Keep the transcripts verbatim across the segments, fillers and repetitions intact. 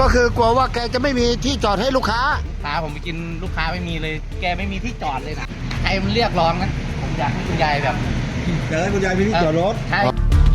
ก็คือกลัวว่าแกจะไม่มีที่จอดให้ลูกค้าพาผมไปกินลูกค้าไม่มีเลย แกไม่มีที่จอดเลยนะใครมันเรียกร้องนะผมอยากให้คุณยายแบบเดี๋ยวให้คุณยายมีที่จอดรถใช่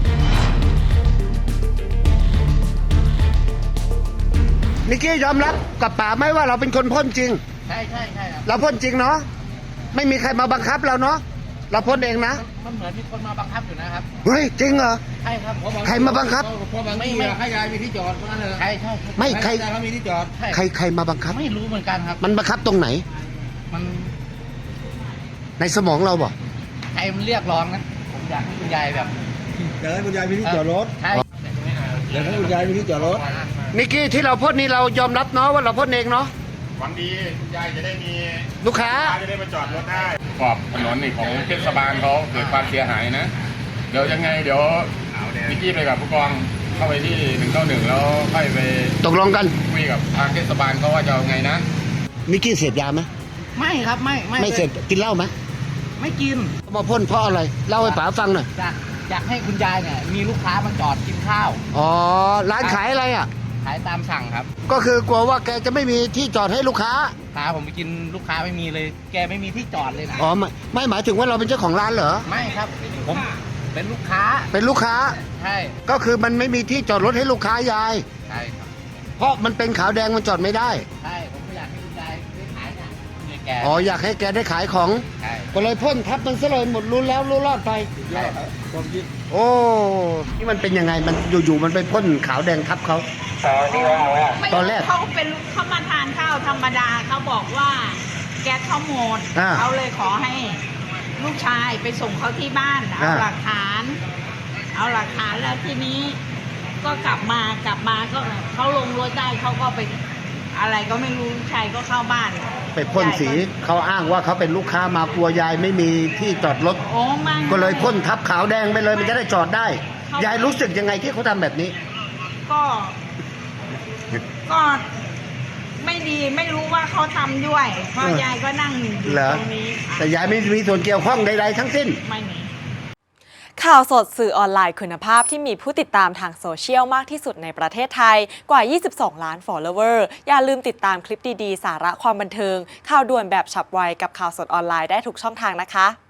นิกกี้ยอมรับกับป๋าไหมว่าเราเป็นคนพ่นจริงใช่ใช่ใช่ครับเราพ่นจริงเนาะไม่มีใครมาบังคับเราเนาะเราพ่นเองนะมันเหมือนมีคนมาบังคับอยู่นะครับเฮ้ยจริงเหรอใช่ครับใครมาบังคับเพราะบางทีให้ยายมีที่จอดนั่นเลยใช่ใช่ไม่ใครเขามีที่จอดใครใครมาบังคับไม่รู้เหมือนกันครับมันบังคับตรงไหนมันในสมองเราบ่ใครมันเรียกร้องนะผมอยากให้คุณยายแบบเดี๋ยวให้คุณยายมีที่จอดรถใช่เดี๋ยวให้คุณยายมีที่จอดรถนิกกี้ที่เราพ่นนี่เรายอมรับเนาะว่าเราพ่นเองเนาะหวังดีคุณยายจะได้มีลูกค้าจะได้มาจอดรถได้ขอบถนนนี่ของเทศบาลเขาเกิดความเสียหายนะเดี๋ยวยังไงเดี๋ยวนิกกี้ไปกับผู้กองเข้าไปที่หนึ่งเก้าหนึ่งแล้วค่อยไปตกลงกันคุยกับทางเทศบาลเขาว่าจะเอาไงนะนิกกี้เสพยาไหมไม่ครับไม่ไม่ไม่เสพกินเหล้าไหมไม่กินมาพ่นเพราะอะไรเล่าให้ป๋าฟังหน่อยอยากอยากให้คุณยายเนี่ยมีลูกค้ามาจอดกินข้าวอ๋อร้านขายอะไรอ่ะขายตามสั่งครับก็คือกลัวว่าแกจะไม่มีที่จอดให้ลูกค้าพาผมไปกินลูกค้าไม่มีเลย แกไม่มีที่จอดเลยนะอ๋อไม่ไม่หมายถึงว่าเราเป็นเจ้าของร้านเหรอไม่ครับผมเป็นลูกค้าเป็นลูกค้าใช่ก็คือมันไม่มีที่จอดรถให้ลูกค้ายายใช่ครับเพราะมันเป็นขาวแดงมันจอดไม่ได้ใช่ผมก็อยากให้คุณยายได้ขายเนี่ยแกอ๋ออยากให้แกได้ขายของใช่ก็เลยพ่นทับมันซะเลยหมดรู้แล้วรู้รอดไปโอ้นี่มันเป็นยังไงมันอยู่ๆมันไปพ่นขาวแดงทับเขาตอนแรกเขาเป็นเขามาทานข้าวธรรมดาเขาบอกว่าแก๊สเขาหมดเขาเลยขอให้ลูกชายไปส่งเขาที่บ้านเอาหลักฐานเอาหลักฐานแล้วทีนี้ก็กลับมากลับมาก็เขาลงรถได้เขาก็ไปอะไรก็ไม่รู้ลูกชายก็เข้าบ้านไปพ่นสีเขาอ้างว่าเขาเป็นลูกค้ามากลัวยายไม่มีที่จอดรถก็เลยพ่นทับขาวแดงไปเลยมันจะได้จอดได้ยายรู้สึกยังไงที่เขาทำแบบนี้ก็ก็ไม่ดีไม่รู้ว่าเขาทำด้วยเพราะยายก็นั่งอยู่ตรงนี้แต่ยายไม่มีส่วนเกี่ยวข้องใดๆทั้งสิ้นไม่มีข่าวสดสื่อออนไลน์คุณภาพที่มีผู้ติดตามทางโซเชียลมากที่สุดในประเทศไทยกว่ายี่สิบสองล้าน follower อย่าลืมติดตามคลิปดีๆสาระความบันเทิงข่าวด่วนแบบฉับไวกับข่าวสดออนไลน์ได้ทุกช่องทางนะคะ